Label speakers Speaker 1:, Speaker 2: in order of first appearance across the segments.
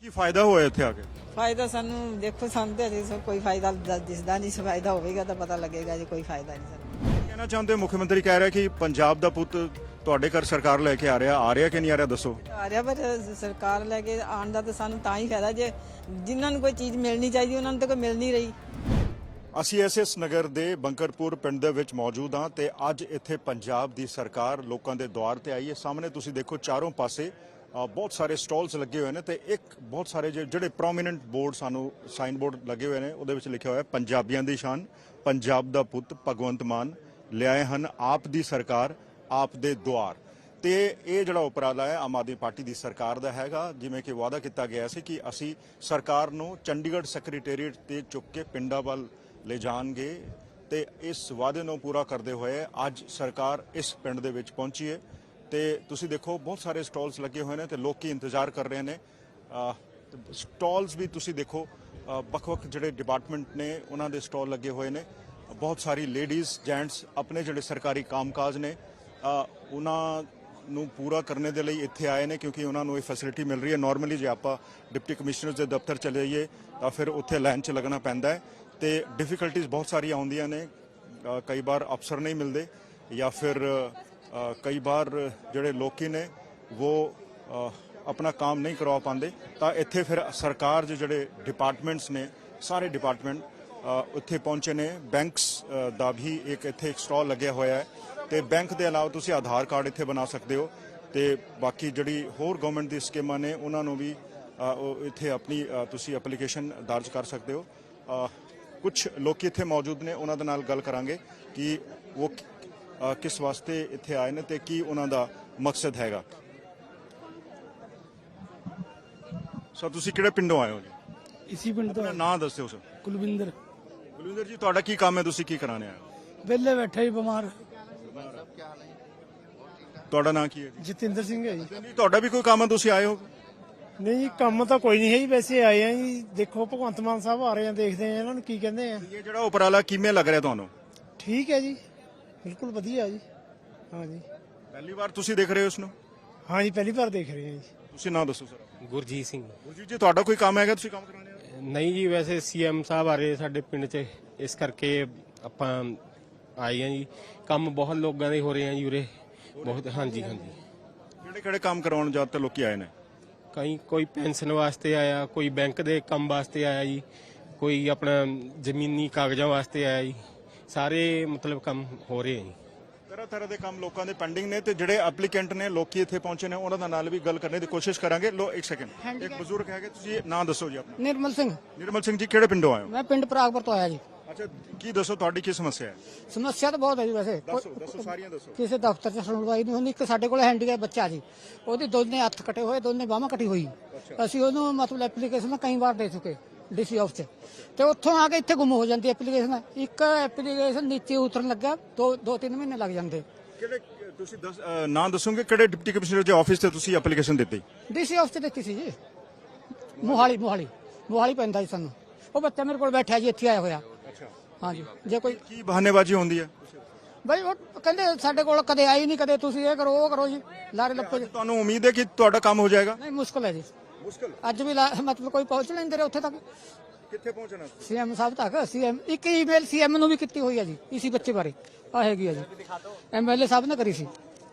Speaker 1: ਕੀ ਫਾਇਦਾ ਹੋਇਆ ਇੱਥੇ ਆ ਕੇ?
Speaker 2: ਫਾਇਦਾ ਸਾਨੂੰ ਦੇਖੋ ਸਾਨੂੰ ਤੇ ਅਜੇ ਕੋਈ ਫਾਇਦਾ ਦਿਸਦਾ ਨਹੀਂ। ਫਾਇਦਾ ਹੋਵੇਗਾ ਤਾਂ ਪਤਾ ਲੱਗੇਗਾ ਜੀ। ਕੋਈ ਫਾਇਦਾ ਨਹੀਂ ਸਾਨੂੰ।
Speaker 1: ਕਹਿਣਾ ਚਾਹੁੰਦੇ ਹੋ ਮੁੱਖ ਮੰਤਰੀ ਕਹਿ ਰਿਹਾ ਕਿ ਪੰਜਾਬ ਦਾ ਪੁੱਤ ਤੁਹਾਡੇ ਘਰ ਸਰਕਾਰ ਲੈ ਕੇ ਆ ਰਿਹਾ ਕਿ ਨਹੀਂ ਆ ਰਿਹਾ ਦੱਸੋ?
Speaker 2: ਆ ਰਿਹਾ ਪਰ ਸਰਕਾਰ ਲੈ ਕੇ ਆਉਣ ਦਾ ਤਾਂ ਸਾਨੂੰ ਤਾਂ ਹੀ ਫਾਇਦਾ ਜੇ ਜਿਨ੍ਹਾਂ ਨੂੰ ਕੋਈ ਚੀਜ਼ ਮਿਲਣੀ ਚਾਹੀਦੀ ਉਹਨਾਂ ਨੂੰ ਤਾਂ ਕੋਈ ਮਿਲ ਨਹੀਂ ਰਹੀ।
Speaker 1: ਅਸੀਂ ਐਸਐਸ ਨਗਰ ਦੇ ਬੰਕਰਪੁਰ ਪਿੰਡ ਦੇ ਵਿੱਚ ਮੌਜੂਦ ਹਾਂ ਤੇ ਅੱਜ ਇੱਥੇ ਪੰਜਾਬ ਦੀ ਸਰਕਾਰ ਲੋਕਾਂ ਦੇ ਦੁਆਰ ਤੇ ਆਈ ਹੈ। ਸਾਹਮਣੇ ਤੁਸੀਂ ਦੇਖੋ ਚਾਰੋਂ ਪਾਸੇ ਬਹੁਤ ਸਾਰੇ ਸਟਾਲਸ ਲੱਗੇ ਹੋਏ ਨੇ ਤੇ ਇੱਕ ਬਹੁਤ ਸਾਰੇ ਜਿਹੜੇ ਪ੍ਰੋਮੀਨੈਂਟ ਬੋਰਡ ਸਾਨੂੰ ਸਾਈਨ ਬੋਰਡ ਲੱਗੇ ਹੋਏ ਨੇ ਉਹਦੇ ਵਿੱਚ ਲਿਖਿਆ ਹੋਇਆ ਪੰਜਾਬੀਆਂ ਦੀ ਸ਼ਾਨ, ਪੰਜਾਬ ਦਾ ਪੁੱਤ ਭਗਵੰਤ ਮਾਨ ਲਿਆਏ ਹਨ ਆਪ ਦੀ ਸਰਕਾਰ ਆਪ ਦੇ ਦੁਆਰ। ਤੇ ਇਹ ਜਿਹੜਾ ਉਪਰਾਲਾ ਹੈ ਆਮ ਆਦਮੀ ਪਾਰਟੀ ਦੀ ਸਰਕਾਰ ਦਾ ਹੈਗਾ। ਜਿਵੇਂ ਕਿ ਵਾਅਦਾ ਕੀਤਾ ਗਿਆ ਸੀ ਕਿ ਅਸੀਂ ਸਰਕਾਰ ਨੂੰ ਚੰਡੀਗੜ੍ਹ ਸੈਕਟਰੀਏਟ ਤੇ ਚੁੱਕ ਕੇ ਪਿੰਡਾਂ ਵੱਲ ਲੈ ਜਾਣਗੇ ਤੇ ਇਸ ਵਾਅਦੇ ਨੂੰ ਪੂਰਾ ਕਰਦੇ ਹੋਏ ਅੱਜ ਸਰਕਾਰ ਇਸ ਪਿੰਡ ਦੇ ਵਿੱਚ ਪਹੁੰਚੀ ਹੈ। ਤੇ ਤੁਸੀਂ ਦੇਖੋ ਬਹੁਤ ਸਾਰੇ ਸਟਾਲਸ ਲੱਗੇ ਹੋਏ ਨੇ ਤੇ ਲੋਕੀ ਇੰਤਜ਼ਾਰ ਕਰ ਰਹੇ ਨੇ। ਸਟਾਲਸ ਵੀ ਤੁਸੀਂ ਦੇਖੋ ਵੱਖ-ਵੱਖ ਜਿਹੜੇ ਡਿਪਾਰਟਮੈਂਟ ਨੇ ਉਹਨਾਂ ਦੇ ਸਟਾਲ ਲੱਗੇ ਹੋਏ ਨੇ। ਬਹੁਤ ਸਾਰੀ ਲੇਡੀਜ਼ ਜੈਂਟਸ ਆਪਣੇ ਜਿਹੜੇ ਸਰਕਾਰੀ ਕੰਮਕਾਜ ਨੇ ਉਹਨਾਂ ਨੂੰ ਪੂਰਾ ਕਰਨ ਦੇ ਲਈ ਇੱਥੇ ਆਏ ਨੇ ਕਿਉਂਕਿ ਉਹਨਾਂ ਨੂੰ ਇਹ ਫੈਸਿਲਿਟੀ ਮਿਲ ਰਹੀ ਹੈ। ਨਾਰਮਲੀ ਜੇ ਆਪਾਂ ਡਿਪਟੀ ਕਮਿਸ਼ਨਰ ਦੇ ਦਫ਼ਤਰ ਚਲੇ ਜਾਈਏ ਤਾਂ ਫਿਰ ਉੱਥੇ ਲਾਈਨ 'ਚ ਲੱਗਣਾ ਪੈਂਦਾ ਹੈ ਤੇ ਡਿਫਿਕਲਟੀਜ਼ ਬਹੁਤ ਸਾਰੀਆਂ ਆਉਂਦੀਆਂ ਨੇ। ਕਈ ਵਾਰ ਅਫਸਰ ਨਹੀਂ ਮਿਲਦੇ ਜਾਂ ਫਿਰ ਕਈ ਵਾਰ ਜਿਹੜੇ ਲੋਕੀ ਨੇ ਉਹ ਆਪਣਾ ਕੰਮ ਨਹੀਂ ਕਰਵਾ ਪਾਉਂਦੇ ਤਾਂ ਇੱਥੇ ਫਿਰ ਸਰਕਾਰ ਦੇ ਜਿਹੜੇ ਡਿਪਾਰਟਮੈਂਟਸ ਨੇ ਸਾਰੇ ਡਿਪਾਰਟਮੈਂਟ ਉੱਥੇ ਪਹੁੰਚੇ ਨੇ। ਬੈਂਕਸ ਦਾ ਵੀ ਇੱਕ ਇੱਥੇ ਸਟਾਲ ਲੱਗਿਆ ਹੋਇਆ ਹੈ ਤੇ ਬੈਂਕ ਦੇ ਇਲਾਵਾ ਤੁਸੀਂ ਆਧਾਰ ਕਾਰਡ ਇੱਥੇ ਬਣਾ ਸਕਦੇ ਹੋ ਤੇ ਬਾਕੀ ਜਿਹੜੀ ਹੋਰ ਗਵਰਨਮੈਂਟ ਦੀ ਸਕੀਮਾਂ ਨੇ ਉਹਨਾਂ ਨੂੰ ਵੀ ਇੱਥੇ ਆਪਣੀ ਤੁਸੀਂ ਐਪਲੀਕੇਸ਼ਨ ਦਰਜ ਕਰ ਸਕਦੇ ਹੋ। ਕੁਝ ਲੋਕੀ ਇੱਥੇ ਮੌਜੂਦ ਨੇ ਉਹਨਾਂ ਦੇ ਨਾਲ ਗੱਲ ਕਰਾਂਗੇ ਕਿ ਉਹ ਕਿਸ ਵਾਸਤੇ ਇੱਥੇ ਆਏ ਨੇ ਤੇ ਕੀ ਉਹਨਾਂ ਦਾ ਮਕਸਦ ਹੈਗਾ। ਸਰ ਤੁਸੀਂ ਕਿਹੜੇ ਪਿੰਡੋਂ ਆਏ ਹੋ ਜੀ?
Speaker 3: इसी पिंड तो
Speaker 1: ਆਪਣਾ ਨਾਂ ਦੱਸਿਓ ਸਰ।
Speaker 3: कुलविंदर
Speaker 1: ਬਲਵਿੰਦਰ ਜੀ ਤੁਹਾਡਾ ਕੀ ਕੰਮ ਹੈ? ਤੁਸੀਂ ਕੀ ਕਰਾਣੇ ਆਏ ਹੋ?
Speaker 3: वेले बैठे ही बीमार
Speaker 1: ਤੁਹਾਡਾ ਨਾਂ ਕੀ ਹੈ ਜੀ?
Speaker 3: जतिंदर सिंह है जी।
Speaker 1: ਜੀ ਤੁਹਾਡਾ ਵੀ ਕੋਈ ਕੰਮ ਹੈ ਤੁਸੀਂ ਆਏ ਹੋ?
Speaker 3: नहीं जी काम तो कोई नहीं है जी, वैसे आए हैं जी। देखो भगवंत मान साहब आ रहे हैं, देखते हैं इन्होंने की कहते हैं।
Speaker 1: ਇਹ ਜਿਹੜਾ ਉਪਰਾਲਾ ਕਿਵੇਂ ਲੱਗ ਰਿਹਾ ਤੁਹਾਨੂੰ?
Speaker 3: ठीक है जी, बिल्कुल वधिया जी। हाँ जी,
Speaker 1: ਪਹਿਲੀ ਵਾਰ ਤੁਸੀਂ ਦੇਖ ਰਹੇ ਹੋ ਇਸ ਨੂੰ?
Speaker 3: हाँ जी पहली बार देख रहे हैं जी।
Speaker 1: ਤੁਸੀਂ ਨਾਂ ਦੱਸੋ ਸਰ।
Speaker 4: ਗੁਰਜੀਤ ਸਿੰਘ।
Speaker 1: ਗੁਰਜੀਤ ਜੀ ਤੁਹਾਡਾ ਕੋਈ ਕੰਮ ਹੈਗਾ ਤੁਸੀਂ ਕੰਮ ਕਰਾਣੇ ਆ?
Speaker 4: ਨਹੀਂ ਜੀ ਵੈਸੇ ਸੀਐਮ ਸਾਹਿਬ ਆ ਰਹੇ ਸਾਡੇ ਪਿੰਡ 'ਚ, ਇਸ ਕਰਕੇ ਆਪਾਂ ਆਏ ਆ ਜੀ। ਕੰਮ ਬਹੁਤ ਲੋਕਾਂ ਦੇ ਹੋ ਰਹੇ ਆ ਜੀ ਉਰੇ ਬਹੁਤ। ਹਾਂਜੀ ਹਾਂਜੀ
Speaker 1: ਕਿਹੜੇ ਕਿਹੜੇ ਕੰਮ ਕਰਾਉਣ ਜ਼ਿਆਦਾਤਰ ਲੋਕੀ ਆਏ ਨੇ?
Speaker 4: ਕੋਈ ਪੈਨਸ਼ਨ ਵਾਸਤੇ ਆਇਆ, ਕੋਈ ਬੈਂਕ ਦੇ ਕੰਮ ਵਾਸਤੇ ਆਇਆ ਜੀ, ਕੋਈ ਆਪਣਾ ਜ਼ਮੀਨੀ ਕਾਗਜ਼ਾਂ ਵਾਸਤੇ ਆਇਆ ਜੀ। ਸਾਰੇ ਮਤਲਬ ਕੰਮ ਹੋ ਰਹੇ ਆ ਜੀ।
Speaker 1: ਤਰ੍ਹਾਂ ਤਰ੍ਹਾਂ ਦੇ ਕੰਮ ਲੋਕਾਂ ਦੇ ਪੈਂਡਿੰਗ ਨੇ ਤੇ ਜਿਹੜੇ ਐਪਲੀਕੈਂਟ ਨੇ ਲੋਕੀ ਇੱਥੇ ਪਹੁੰਚੇ ਨੇ ਉਹਨਾਂ ਦਾ ਨਾਲ ਵੀ ਗੱਲ ਕਰਨ ਦੀ ਕੋਸ਼ਿਸ਼ ਕਰਾਂਗੇ। ਲੋ ਇੱਕ ਸੈਕਿੰਡ, ਇੱਕ ਬਜ਼ੁਰਗ ਹੈਗੇ, ਤੁਸੀਂ ਨਾਂ ਦੱਸੋ ਜੀ ਆਪਣਾ।
Speaker 5: ਨਿਰਮਲ ਸਿੰਘ।
Speaker 1: ਨਿਰਮਲ ਸਿੰਘ ਜੀ ਕਿਹੜੇ ਪਿੰਡੋਂ ਆਏ ਹੋ?
Speaker 5: ਮੈਂ ਪਿੰਡ ਪ੍ਰਾਗਪੁਰ ਤੋਂ ਆਇਆ ਜੀ।
Speaker 1: ਅੱਛਾ ਕੀ ਦੱਸੋ ਤੁਹਾਡੀ ਕੀ ਸਮੱਸਿਆ ਹੈ?
Speaker 5: ਸਮੱਸਿਆ ਤਾਂ ਬਹੁਤ ਹੈ ਜੀ ਵੈਸੇ।
Speaker 1: ਦੱਸੋ ਸਾਰੀਆਂ ਦੱਸੋ।
Speaker 5: ਕਿਸੇ ਦਫ਼ਤਰ 'ਚ ਸੁਣਵਾਈ ਨਹੀਂ ਹੁੰਦੀ। ਇੱਕ ਸਾਡੇ ਕੋਲ ਹੈਂਡੀਕੈਪ ਬੱਚਾ ਜੀ, ਉਹਦੀ ਦੋਨੇ ਹੱਥ ਕੱਟੇ ਹੋਏ, ਦੋਨੇ ਬਾਹਾਂ ਕੱਟੀ ਹੋਈ। ਅਸੀਂ ਉਹਨੂੰ ਮਤਲਬ ਐਪਲੀਕੇਸ਼ਨ ਕਈ ਵਾਰ ਦੇ ਚੁੱਕੇ ਡੀਸੀ ਆਫਿਸ 'ਚ ਤੇ ਉੱਥੋਂ ਆ ਕੇ ਇੱਥੇ ਗੁੰਮ ਹੋ ਜਾਂਦੀ ਐਪਲੀਕੇਸ਼ਨ। ਇੱਕ ਐਪਲੀਕੇਸ਼ਨ ਨੀਚੇ ਉਤਰਨ ਲੱਗਾ 2-3 ਮਹੀਨੇ ਲੱਗ ਜਾਂਦੇ।
Speaker 1: ਕਿਹੜੇ ਤੁਸੀਂ ਨਾਂ ਦੱਸੋਗੇ ਕਿਹੜੇ ਡਿਪਟੀ ਕਮਿਸ਼ਨਰ ਦੇ ਆਫਿਸ ਤੇ ਤੁਸੀਂ ਐਪਲੀਕੇਸ਼ਨ ਦਿੱਤੀ?
Speaker 5: ਡੀਸੀ ਆਫਿਸ 'ਚ ਦਿੱਤੀ ਸੀ ਜੀ। ਮੋਹਾਲੀ ਪੈਂਦਾ ਜੀ ਸਾਨੂੰ। ਉਹ ਬੱਚਾ ਮੇਰੇ ਕੋਲ ਬੈਠਾ ਜੀ, ਇੱਥੇ ਆਇਆ ਹੋਇਆ। ਹਾਂਜੀ ਜੇ ਕੋਈ
Speaker 1: ਕੀ ਬਹਾਨੇਬਾਜ਼ੀ ਹੁੰਦੀ ਹੈ?
Speaker 5: ਬਈ ਉਹ ਕਹਿੰਦੇ ਸਾਡੇ ਕੋਲ ਕਦੇ ਆਈ ਨਹੀਂ, ਕਦੇ ਤੁਸੀਂ ਇਹ ਕਰੋ ਉਹ ਕਰੋ ਜੀ, ਲਾਰੇ ਲੱਪੇ ਜੀ।
Speaker 1: ਤੁਹਾਨੂੰ ਉਮੀਦ ਹੈ ਕਿ ਤੁਹਾਡਾ ਕੰਮ ਹੋ ਜਾਏਗਾ?
Speaker 5: ਨਹੀਂ ਮੁਸ਼ਕਲ ਹੈ ਜੀ।
Speaker 1: ਮੁਸ਼ਕਲ
Speaker 5: ਅੱਜ ਵੀ ਮਤਲਬ ਕੋਈ ਪਹੁੰਚ ਨਹੀਂ ਦੇ ਰਿਹਾ ਉੱਥੇ ਤੱਕ।
Speaker 1: ਕਿੱਥੇ ਪਹੁੰਚਣਾ?
Speaker 5: ਸੀਐਮ ਸਾਹਿਬ ਤੱਕ। ਸੀਐਮ ਇੱਕ ਈਮੇਲ ਸੀਐਮ ਨੂੰ ਵੀ ਕੀਤੀ ਹੋਈ ਹੈ ਜੀ ਇਸੀ ਬੱਚੇ ਬਾਰੇ। ਆ ਹੈਗੀ ਹੈ ਜੀ, ਐਮਐਲਏ ਸਾਹਿਬ ਨੇ ਕਰੀ ਸੀ।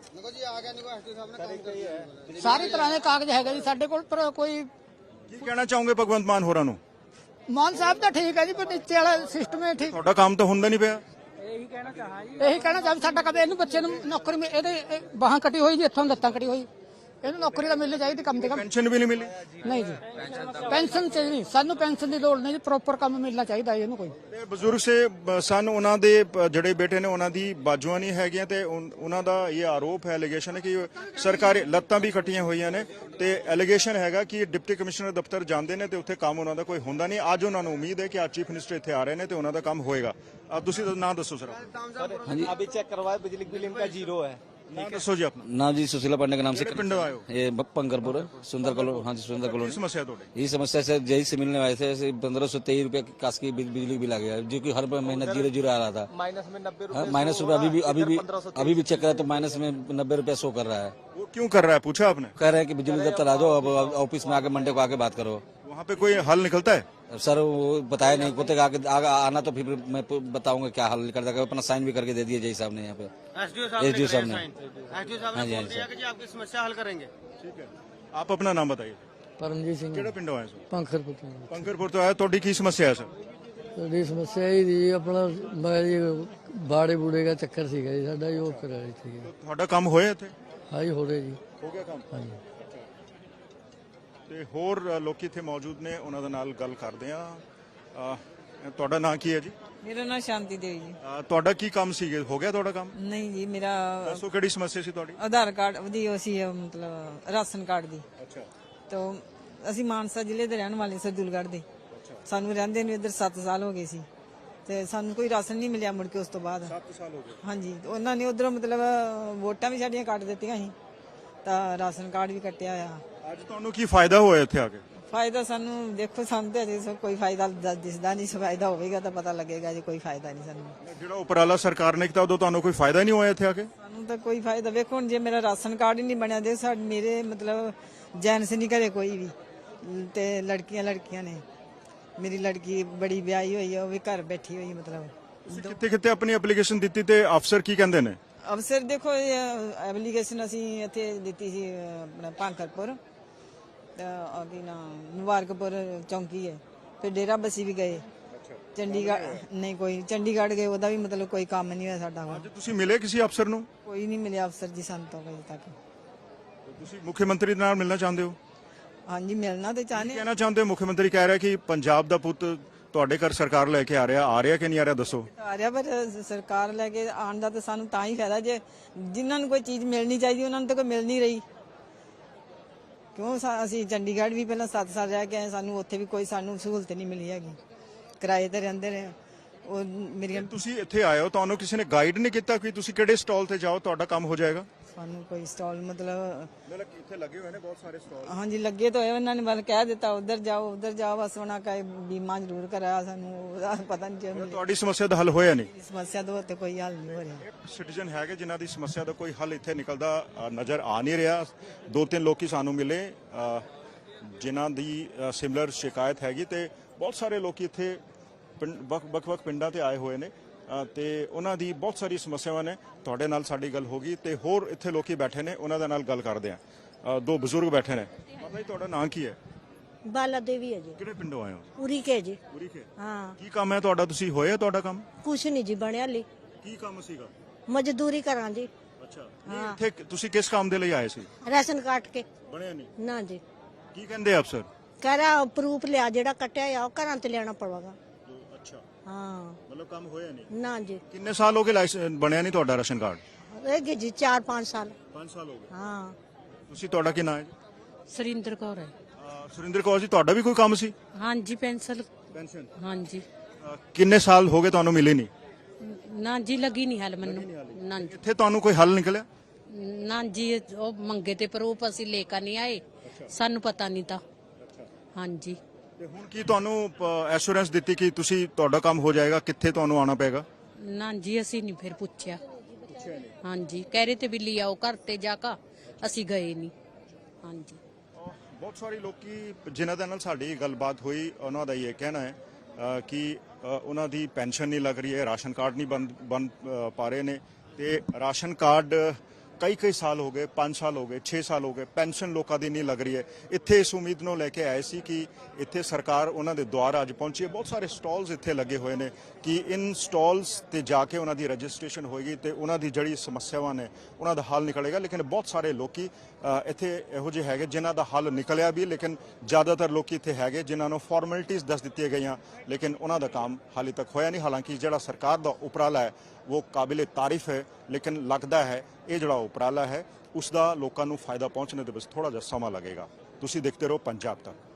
Speaker 5: ਸਾਰੀ ਤਰ੍ਹਾਂ ਦੇ ਕਾਗਜ਼ ਹੈਗੇ ਜੀ ਸਾਡੇ ਕੋਲ, ਪਰ ਕੋਈ।
Speaker 1: ਕੀ ਕਹਿਣਾ ਚਾਹੋਗੇ ਭਗਵੰਤ ਮਾਨ ਹੋਰਾਂ ਨੂੰ?
Speaker 5: ਮਾਨ ਸਾਹਿਬ ਤਾਂ ਠੀਕ ਹੈ ਜੀ, ਪਰ ਨੀਚੇ ਵਾਲਾ ਸਿਸਟਮ ਹੈ ਠੀਕ।
Speaker 1: ਤੁਹਾਡਾ ਕੰਮ ਤਾਂ ਹੁੰਦਾ ਨਹੀਂ ਪਿਆ।
Speaker 5: ਇਹੀ ਕਹਿਣਾ ਚਾਹਾਂ ਸਾਡਾ ਕਦੇ ਇਹਨੂੰ ਬੱਚੇ ਨੂੰ ਨੌਕਰੀ ਇਹਦੇ ਬਾਹਾਂ ਕੱਟੀ ਹੋਈ ਜੀ, ਇੱਥੋਂ ਲੱਤਾਂ ਕੱਟੀ ਹੋਈ। ਇਹਨੂੰ ਨੌਕਰੀ ਤਾਂ ਮਿਲਣੀ ਚਾਹੀਦੀ ਕਮ ਤੇ ਕਮ।
Speaker 1: ਪੈਨਸ਼ਨ ਵੀ ਨਹੀਂ ਮਿਲੀ?
Speaker 5: ਨਹੀਂ ਜੀ ਪੈਨਸ਼ਨ ਚਾਹੀਦੀ ਸਾਨੂੰ, ਪੈਨਸ਼ਨ ਦੀ ਲੋੜ ਨਹੀਂ ਜੀ। ਪ੍ਰੋਪਰ ਕੰਮ ਮਿਲਣਾ ਚਾਹੀਦਾ ਇਹਨੂੰ ਕੋਈ।
Speaker 1: ਤੇ ਬਜ਼ੁਰਗ ਸਨ ਉਹਨਾਂ ਦੇ ਜਿਹੜੇ ਬੇਟੇ ਨੇ ਉਹਨਾਂ ਦੀ ਬਾਜੂਆਂ ਨਹੀਂ ਹੈਗੀਆਂ ਤੇ ਉਹਨਾਂ ਦਾ ਇਹ ਆਰੋਪ ਹੈ, ਐਲੀਗੇਸ਼ਨ ਹੈ ਕਿ ਸਰਕਾਰੀ ਲੱਤਾਂ ਵੀ ਕੱਟੀਆਂ ਹੋਈਆਂ ਨੇ ਤੇ ਐਲੀਗੇਸ਼ਨ ਹੈਗਾ ਕਿ ਡਿਪਟੀ ਕਮਿਸ਼ਨਰ ਦਫ਼ਤਰ ਜਾਂਦੇ ਨੇ ਤੇ ਉੱਥੇ ਕੰਮ ਉਹਨਾਂ ਦਾ ਕੋਈ ਹੁੰਦਾ ਨਹੀਂ। ਅੱਜ ਉਹਨਾਂ ਨੂੰ ਉਮੀਦ ਹੈ ਕਿ ਅੱਜ ਚੀਫ ਮਿਨਿਸਟਰ ਇੱਥੇ ਆ ਰਹੇ ਨੇ ਤੇ ਉਹਨਾਂ ਦਾ ਕੰਮ ਹੋਏਗਾ। ਤੁਸੀਂ ਨਾਂ ਦੱਸੋ ਸਰ।
Speaker 6: हाँ जी, अभी चेक करवाए बिजली बिल इनका जीरो है।
Speaker 1: ਨਾਮ ਦੱਸੋ ਜੀ ਆਪਣਾ।
Speaker 6: नाम जी सुशीला पांडे के नाम से
Speaker 1: ਕਿਹੜੇ ਪਿੰਡੋਂ ਆਏ ਹੋ?
Speaker 6: ये पंकरपुर सुंदर कॉलोनी। हाँ जी सुंदर
Speaker 1: ਕੀ
Speaker 6: कॉलोनी।
Speaker 1: ਸਮੱਸਿਆ ਤੁਹਾਡੀ?
Speaker 6: ये समस्या से जय से मिलने आए थे, 1523 रुपए काश की बिजली बिल आ गया, जो कि हर महीना 0 आ रहा था। माइनस में 90 रुपए, माइनस रुपए अभी भी चेक करा तो माइनस में 90 रुपए शो कर रहा है।
Speaker 1: वो क्यों कर रहा है, पूछा आपने?
Speaker 6: कह रहे हैं कि बिजली दफ्तर आ जाओ, अब ऑफिस में आके मंडे को आके बात करो।
Speaker 1: वहाँ पे कोई हल निकलता है?
Speaker 6: सर वो बताया नहीं, बोलते आगे आना तो फिर मैं बताऊंगा क्या हल कर देगा। अपना साइन भी करके दे दिए जय साहब ने यहाँ पे, एसडीओ साहब ने। हाँ जी, हाँ जी सर।
Speaker 7: आपकी समस्या हल करेंगे।
Speaker 1: ठीक है, आप अपना नाम बताइए।
Speaker 8: परमजीत सिंह
Speaker 1: ਕਿਹੜੇ ਪਿੰਡੋਂ ਆਏ ਸੋ?
Speaker 8: ਪੰਖਰਪੁਰ ਤੋਂ।
Speaker 1: ਪੰਕਰਪੁਰ ਤੋਂ ਆਏ। ਤੁਹਾਡੀ ਕੀ ਸਮੱਸਿਆ ਹੈ ਸਰ?
Speaker 8: ਸਾਡੀ ਸਮੱਸਿਆ ਇਹ ਦੀ ਆਪਣਾ ਮੈਂ ਜੀ ਬਾੜੇ ਬੂੜੇ ਦਾ ਚੱਕਰ ਸੀਗਾ ਜੀ ਸਾਡਾ, ਜੋ ਕਰਾ ਰਹੀ ਸੀ।
Speaker 1: ਤੁਹਾਡਾ ਕੰਮ ਹੋਇਆ ਇੱਥੇ?
Speaker 8: ਹਾਈ ਹੋ ਰਿਹਾ ਜੀ।
Speaker 1: ਹੋ ਗਿਆ ਕੰਮ?
Speaker 8: ਹਾਂਜੀ।
Speaker 1: ਤੇ ਹੋਰ ਲੋਕੀ ਇੱਥੇ ਮੌਜੂਦ ਨੇ, ਉਹਨਾਂ ਦੇ ਨਾਲ ਗੱਲ ਕਰਦੇ ਆ। ਤੁਹਾਡਾ ਨਾਂ ਕੀ ਹੈ ਜੀ?
Speaker 2: ਮੇਰਾ ਨਾਮ ਸ਼ਾਂਤੀ ਦੇਵੀ ਜੀ।
Speaker 1: ਤੁਹਾਡਾ ਕੀ ਕੰਮ ਸੀ? ਹੋ ਗਿਆ ਤੁਹਾਡਾ ਕੰਮ?
Speaker 2: ਨਹੀਂ ਜੀ, ਮੇਰਾ
Speaker 1: ਦੱਸੋ ਕਿਹੜੀ ਸਮੱਸਿਆ ਸੀ ਤੁਹਾਡੀ?
Speaker 2: ਆਧਾਰ ਕਾਰਡ ਉਹਦੀ ਉਹ ਸੀ ਮਤਲਬ ਰਾਸ਼ਨ ਕਾਰਡ ਦੀ।
Speaker 1: ਅੱਛਾ।
Speaker 2: ਤਾਂ ਅਸੀਂ ਮਾਨਸਾ ਜ਼ਿਲ੍ਹੇ ਦੇ ਰਹਿਣ ਵਾਲੇ ਸਰਦੂਲਗੜ੍ਹ ਦੇ। ਸਾਨੂੰ ਰਹਿੰਦੇ ਨੂੰ ਇੱਧਰ 7 ਸਾਲ ਹੋ ਗਏ ਸੀ ਤੇ ਸਾਨੂੰ ਕੋਈ ਰਾਸ਼ਨ ਨਹੀਂ ਮਿਲਿਆ ਮੁੜ ਕੇ ਉਸ ਤੋਂ ਬਾਅਦ।
Speaker 1: 7 ਸਾਲ ਹੋ ਗਏ?
Speaker 2: ਹਾਂਜੀ, ਉਹਨਾਂ ਨੇ ਉਧਰੋਂ ਮਤਲਬ ਵੋਟਾਂ ਵੀ ਸਾਡੀਆਂ ਕੱਟ ਦਿੱਤੀਆਂ ਸੀ ਤਾਂ ਰਾਸ਼ਨ ਕਾਰਡ ਵੀ ਕੱਟਿਆ ਆ।
Speaker 1: ਅੱਜ ਤੁਹਾਨੂੰ ਕੀ ਫਾਇਦਾ ਹੋਇਆ ਇੱਥੇ ਆ ਕੇ?
Speaker 2: ਫਾਇਦਾ ਸਾਨੂੰ ਦੇਖੋ, ਸਾਨੂੰ ਤਾਂ ਅਜੇ ਕੋਈ ਫਾਇਦਾ ਦਿਸਦਾ ਨਹੀਂ। ਫਾਇਦਾ ਹੋਵੇਗਾ ਤਾਂ ਪਤਾ ਲੱਗੇਗਾ, ਜੇ ਕੋਈ ਫਾਇਦਾ ਨਹੀਂ ਸਾਨੂੰ।
Speaker 1: ਜਿਹੜਾ ਉਪਰਾਲਾ ਸਰਕਾਰ ਨੇ ਕੀਤਾ ਉਦੋਂ ਤੁਹਾਨੂੰ ਕੋਈ ਫਾਇਦਾ ਨਹੀਂ ਹੋਇਆ ਇੱਥੇ ਆ ਕੇ?
Speaker 2: ਸਾਨੂੰ ਤਾਂ ਕੋਈ ਫਾਇਦਾ, ਵੇਖੋ ਹੁਣ ਜੇ ਮੇਰਾ ਰਾਸ਼ਨ ਕਾਰਡ ਹੀ ਨਹੀਂ ਬਣਿਆ ਦੇ ਮੇਰੇ ਮਤਲਬ ਜੈਂਟਸ ਨਹੀਂ ਘਰੇ ਕੋਈ ਵੀ ਤੇ ਲੜਕੀਆਂ ਨੇ। ਮੇਰੀ ਲੜਕੀ ਬੜੀ ਵਿਆਹੀ ਹੋਈ ਹੈ, ਉਹ ਵੀ ਘਰ ਬੈਠੀ ਹੋਈ ਮਤਲਬ।
Speaker 1: ਕਿੱਥੇ ਕਿੱਥੇ ਆਪਣੀ ਐਪਲੀਕੇਸ਼ਨ ਦਿੱਤੀ ਤੇ ਅਫਸਰ ਕੀ ਕਹਿੰਦੇ ਨੇ?
Speaker 2: ਅਫਸਰ ਦੇਖੋ, ਐਪਲੀਕੇਸ਼ਨ ਅਸੀਂ ਇੱਥੇ ਦਿੱਤੀ ਸੀ ਆਪਣਾ ਭਾਂਕਰਪੁਰ ਕੀ ਨਾ ਮੁਬਾਰਕਪੁਰ ਚੌਂਕੀ ਹੈ, ਫਿਰ ਡੇਰਾ ਬੱਸੀ ਵੀ ਗਏ। ਚੰਡੀਗੜ੍ਹ ਨਹੀਂ, ਕੋਈ ਚੰਡੀਗੜ੍ਹ ਗਏ, ਉਹਦਾ ਵੀ ਮਤਲਬ ਕੋਈ ਕੰਮ ਨਹੀਂ ਹੋਇਆ ਸਾਡਾ।
Speaker 1: ਅੱਜ ਤੁਸੀਂ ਮਿਲੇ ਕਿਸੇ ਅਫਸਰ ਨੂੰ?
Speaker 2: ਕੋਈ ਨਹੀਂ ਮਿਲਿਆ ਅਫਸਰ ਜੀ ਸਾਨੂੰ ਤਾਂ ਅਜੇ ਤੱਕ।
Speaker 1: ਤੁਸੀਂ ਮੁੱਖ ਮੰਤਰੀ ਨਾਲ ਮਿਲਣਾ ਚਾਹੁੰਦੇ ਹੋ?
Speaker 2: ਹਾਂਜੀ, ਮਿਲਣਾ ਤੇ ਚਾਹਨੇ।
Speaker 1: ਕਹਿਣਾ ਚਾਹੁੰਦੇ ਹੋ? ਮੁੱਖ ਮੰਤਰੀ ਕਹਿ ਰਿਹਾ ਕਿ ਪੰਜਾਬ ਦਾ ਪੁੱਤ ਤੁਹਾਡੇ ਘਰ ਸਰਕਾਰ ਲੈ ਕੇ ਆ ਰਿਹਾ ਕਿ ਨਹੀਂ ਆ ਰਿਹਾ, ਦੱਸੋ।
Speaker 2: ਆ ਰਿਹਾ, ਪਰ ਸਰਕਾਰ ਲੈ ਕੇ ਆਉਣ ਦਾ ਤਾਂ ਸਾਨੂੰ ਤਾਂ ਹੀ ਫਾਇਦਾ ਜੇ ਜਿਨ੍ਹਾਂ ਨੂੰ ਕੋਈ ਚੀਜ਼ ਮਿਲਣੀ ਚਾਹੀਦੀ ਉਹਨਾਂ ਨੂੰ ਤਾਂ ਕੋਈ ਮਿਲ ਨਹੀਂ ਰਹੀ। ਕਿਉਂ ਅਸੀਂ ਚੰਡੀਗੜ੍ਹ ਵੀ ਪਹਿਲਾਂ 7 ਸਾਲ ਰਹਿ ਕੇ ਆਏ, ਸਾਨੂੰ ਉੱਥੇ ਵੀ ਕੋਈ ਸਾਨੂੰ ਸਹੂਲਤ ਨਹੀਂ ਮਿਲੀ ਹੈਗੀ। ਕਿਰਾਏ ਤੇ ਰਹਿੰਦੇ ਨੇ ਉਹ ਮੇਰੀਆਂ।
Speaker 1: ਤੁਸੀਂ ਇੱਥੇ ਆਏ ਹੋ, ਤੁਹਾਨੂੰ ਕਿਸੇ ਨੇ ਗਾਈਡ ਨਹੀਂ ਕੀਤਾ ਕਿ ਤੁਸੀਂ ਕਿਹੜੇ ਸਟਾਲ ਤੇ ਜਾਓ ਤੁਹਾਡਾ ਕੰਮ ਹੋ ਜਾਏਗਾ?
Speaker 2: ਸਾਨੂੰ ਕੋਈ ਸਟਾਲ ਮਤਲਬ
Speaker 1: ਇੱਥੇ ਲੱਗੇ ਹੋਏ ਨੇ ਬਹੁਤ ਸਾਰੇ ਸਟਾਲ।
Speaker 2: ਹਾਂਜੀ, ਲੱਗੇ ਤਾਂ ਹੋਏ, ਉਹਨਾਂ ਨੇ ਬਸ ਕਹਿ ਦਿੱਤਾ ਉਧਰ ਜਾਓ ਬਸ। ਉਹਨਾਂ ਕਹੇ ਬੀਮਾ ਜ਼ਰੂਰ ਕਰਾਇਆ, ਸਾਨੂੰ ਉਹਦਾ ਪਤਾ ਨਹੀਂ ਚੱਲਿਆ।
Speaker 1: ਤੁਹਾਡੀ ਸਮੱਸਿਆ ਦਾ ਹੱਲ ਹੋਇਆ ਨਹੀਂ?
Speaker 2: ਸਮੱਸਿਆ ਦਾ ਤੇ ਕੋਈ ਹੱਲ ਨਹੀਂ ਹੋ ਰਿਹਾ।
Speaker 1: ਸਿਟੀਜ਼ਨ ਹੈਗੇ ਜਿਨ੍ਹਾਂ ਦੀ ਸਮੱਸਿਆ ਦਾ ਕੋਈ ਹੱਲ ਇੱਥੇ ਨਿਕਲਦਾ ਨਜ਼ਰ ਆ ਨਹੀਂ ਰਿਹਾ। 2-3 ਲੋਕੀ ਸਾਨੂੰ ਮਿਲੇ ਜਿਨ੍ਹਾਂ ਦੀ ਸਿਮਿਲਰ ਸ਼ਿਕਾਇਤ ਹੈਗੀ ਤੇ ਬਹੁਤ ਸਾਰੇ ਲੋਕੀ ਇੱਥੇ ਵੱਖ-ਵੱਖ ਪਿੰਡਾਂ ਤੇ ਆਏ ਹੋਏ ਨੇ ਤੇ ਉਹਨਾਂ ਦੀ ਬਹੁਤ ਸਾਰੀ ਸਮੱਸਿਆਵਾਂ ਨੇ। ਤੁਹਾਡੇ ਨਾਲ ਸਾਡੀ ਗੱਲ ਹੋ ਗਈ ਤੇ ਹੋਰ ਇੱਥੇ ਲੋਕੀ ਬੈਠੇ ਨੇ, ਉਹਨਾਂ ਦੇ ਨਾਲ ਗੱਲ ਕਰਦੇ ਆ। 2 ਬਜ਼ੁਰਗ ਬੈਠੇ ਨੇ। ਮਾਤਾ ਜੀ, ਤੁਹਾਡਾ ਨਾਂ ਕੀ ਹੈ?
Speaker 9: ਬਾਲਾ ਦੇਵੀ ਹੈ ਜੀ।
Speaker 1: ਕਿਹੜੇ ਪਿੰਡੋਂ ਆਏ ਹੋ?
Speaker 9: ਉਰੀ ਕੇ ਜੀ।
Speaker 1: ਪੂਰੀ ਕੇ।
Speaker 9: ਹਾਂ।
Speaker 1: ਕੀ ਕੰਮ ਹੈ ਤੁਹਾਡਾ? ਤੁਸੀਂ ਹੋਇਆ ਤੁਹਾਡਾ ਕੰਮ?
Speaker 9: ਕੁਛ ਨਹੀਂ ਜੀ ਬਣਿਆ ਲਈ।
Speaker 1: ਕੀ ਕੰਮ ਸੀਗਾ?
Speaker 9: ਮਜ਼ਦੂਰੀ ਕਰਾਂ ਜੀ।
Speaker 1: ਅੱਛਾ, ਇੱਥੇ ਤੁਸੀਂ ਕਿਸ ਕੰਮ ਦੇ ਲਈ ਆਏ ਸੀ?
Speaker 9: ਰਾਸ਼ਨ ਕਾਟ ਕੇ।
Speaker 1: ਬਣਿਆ ਨਹੀਂ?
Speaker 9: ਨਾ ਜੀ।
Speaker 1: ਕੀ ਕਹਿੰਦੇ ਅਫਸਰ?
Speaker 9: ਕਹਿ ਰਿਹਾ ਪ੍ਰੂਫ ਲਿਆ, ਜਿਹੜਾ ਕੱਟਿਆ ਆ ਉਹ ਘਰਾਂ ਤੇ ਲਿਆਣਾ ਪਵੇਗਾ।
Speaker 1: ਅੱਛਾ,
Speaker 9: ਹਾਂ।
Speaker 1: ਮਤਲਬ ਕੰਮ ਹੋਇਆ ਨਹੀਂ?
Speaker 9: ਨਾ ਜੀ।
Speaker 1: ਕਿੰਨੇ ਸਾਲ ਹੋ ਗਏ ਲਾਇਸੈਂਸ ਬਣਿਆ ਨਹੀਂ ਤੁਹਾਡਾ ਰਾਸ਼ਨ ਕਾਰਡ?
Speaker 9: ਇਹ ਜੀ 4-5 ਸਾਲ।
Speaker 1: 5 ਸਾਲ ਹੋ ਗਏ।
Speaker 9: ਹਾਂ।
Speaker 1: ਤੁਸੀਂ, ਤੁਹਾਡਾ ਕੀ ਨਾਮ ਹੈ ਜੀ?
Speaker 10: ਸੁਰਿੰਦਰ ਕੌਰ ਹੈ।
Speaker 1: ਸੁਰਿੰਦਰ ਕੌਰ ਜੀ, ਤੁਹਾਡਾ ਵੀ ਕੋਈ ਕੰਮ ਸੀ?
Speaker 10: ਹਾਂਜੀ, ਪੈਨਸ਼ਨ। ਹਾਂਜੀ।
Speaker 1: ਕਿੰਨੇ ਸਾਲ ਹੋ ਗਏ ਤੁਹਾਨੂੰ ਮਿਲੇ ਨਹੀਂ?
Speaker 10: ਨਾ ਜੀ, ਲੱਗੀ ਨਹੀਂ ਹੱਲ ਮੈਨੂੰ। ਨਾ ਜੀ।
Speaker 1: ਇੱਥੇ ਤੁਹਾਨੂੰ ਕੋਈ ਹੱਲ ਨਿਕਲਿਆ?
Speaker 10: ਨਾ ਜੀ, ਉਹ ਮੰਗੇ ਤੇ ਪ੍ਰੂਫ ਅਸੀਂ ਲੈ ਕੇ ਨਹੀਂ ਆਏ, ਸਾਨੂੰ ਪਤਾ ਨਹੀਂ ਤਾਂ। ਹਾਂਜੀ।
Speaker 1: ਤੇ ਹੁਣ ਕੀ ਤੁਹਾਨੂੰ ਐਸ਼ੋਰੈਂਸ ਦਿੱਤੀ ਕਿ ਤੁਸੀਂ ਤੁਹਾਡਾ ਕੰਮ ਹੋ ਜਾਏਗਾ? ਕਿੱਥੇ ਤੁਹਾਨੂੰ ਆਉਣਾ ਪਏਗਾ?
Speaker 10: ਨਾ ਜੀ, ਅਸੀਂ ਨਹੀਂ ਫਿਰ ਪੁੱਛਿਆ। ਹਾਂਜੀ, ਕਹਿ ਰਹੇ ਤੇ ਵੀ ਲਿਆਓ ਆਓ ਘਰ ਤੇ ਜਾ ਕੇ, ਅਸੀਂ ਗਏ ਨਹੀਂ। ਹਾਂਜੀ।
Speaker 1: ਬਹੁਤ ਸਾਰੇ ਲੋਕੀ ਜਿਨ੍ਹਾਂ ਦੇ ਨਾਲ ਸਾਡੀ ਗੱਲਬਾਤ ਹੋਈ, ਉਹਨਾਂ ਦਾ ਇਹ ਕਹਿਣਾ ਹੈ ਕਿ ਉਹਨਾਂ ਦੀ ਪੈਨਸ਼ਨ ਨਹੀਂ ਲੱਗ ਰਹੀ ਹੈ, ਰਾਸ਼ਨ ਕਾਰਡ ਨਹੀਂ ਬਣ ਪਾ ਰਹੇ ਨੇ ਤੇ ਰਾਸ਼ਨ ਕਾਰਡ ਕਈ ਸਾਲ ਹੋ ਗਏ, 5 ਸਾਲ ਹੋ ਗਏ, 6 ਸਾਲ ਹੋ ਗਏ, ਪੈਨਸ਼ਨ ਲੋਕਾਂ ਦੀ ਨਹੀਂ ਲੱਗ ਰਹੀ ਹੈ। ਇੱਥੇ ਇਸ ਉਮੀਦ ਨੂੰ ਲੈ ਕੇ ਆਏ ਸੀ ਕਿ ਇੱਥੇ ਸਰਕਾਰ ਉਹਨਾਂ ਦੇ ਦੁਆਰ ਅੱਜ ਪਹੁੰਚੀ ਹੈ। ਬਹੁਤ ਸਾਰੇ ਸਟਾਲਸ ਇੱਥੇ ਲੱਗੇ ਹੋਏ ਨੇ ਕਿ ਇਨ ਸਟਾਲਸ ਤੇ ਜਾ ਕੇ ਉਹਨਾਂ ਦੀ ਰਜਿਸਟ੍ਰੇਸ਼ਨ ਹੋਏਗੀ ਤੇ ਉਹਨਾਂ ਦੀ ਜਿਹੜੀ ਸਮੱਸਿਆਵਾਂ ਨੇ ਉਹਨਾਂ ਦਾ ਹੱਲ ਨਿਕਲੇਗਾ। ਲੇਕਿਨ ਬਹੁਤ ਸਾਰੇ ਲੋਕੀ ਇੱਥੇ ਇਹੋ ਜਿਹੇ ਹੈਗੇ ਜਿਨ੍ਹਾਂ ਦਾ ਹੱਲ ਨਿਕਲਿਆ ਵੀ, ਲੇਕਿਨ ਜ਼ਿਆਦਾਤਰ ਲੋਕੀ ਇੱਥੇ ਹੈਗੇ ਜਿਨ੍ਹਾਂ ਨੂੰ ਫਾਰਮੈਲਿਟੀਜ਼ ਦੱਸ ਦਿੱਤੀਆਂ ਗਈਆਂ ਲੇਕਿਨ ਉਹਨਾਂ ਦਾ ਕੰਮ ਹਾਲੇ ਤੱਕ ਹੋਇਆ ਨਹੀਂ। ਹਾਲਾਂਕਿ ਜਿਹੜਾ ਸਰਕਾਰ ਦਾ ਉਪਰਾਲਾ ਹੈ ਉਹ ਕਾਬਿਲੇ ਤਾਰੀਫ ਹੈ, ਲੇਕਿਨ ਲੱਗਦਾ ਹੈ ਇਹ ਜਿਹੜਾ ਉਪਰਾਲਾ ਹੈ ਉਸ ਦਾ ਲੋਕਾਂ ਨੂੰ ਫਾਇਦਾ ਪਹੁੰਚਣੇ ਦੇ ਵਿੱਚ ਥੋੜਾ ਜਿਹਾ ਸਮਾਂ ਲੱਗੇਗਾ। ਤੁਸੀਂ ਦੇਖਦੇ ਰਹੋ ਪੰਜਾਬ ਤੱਕ।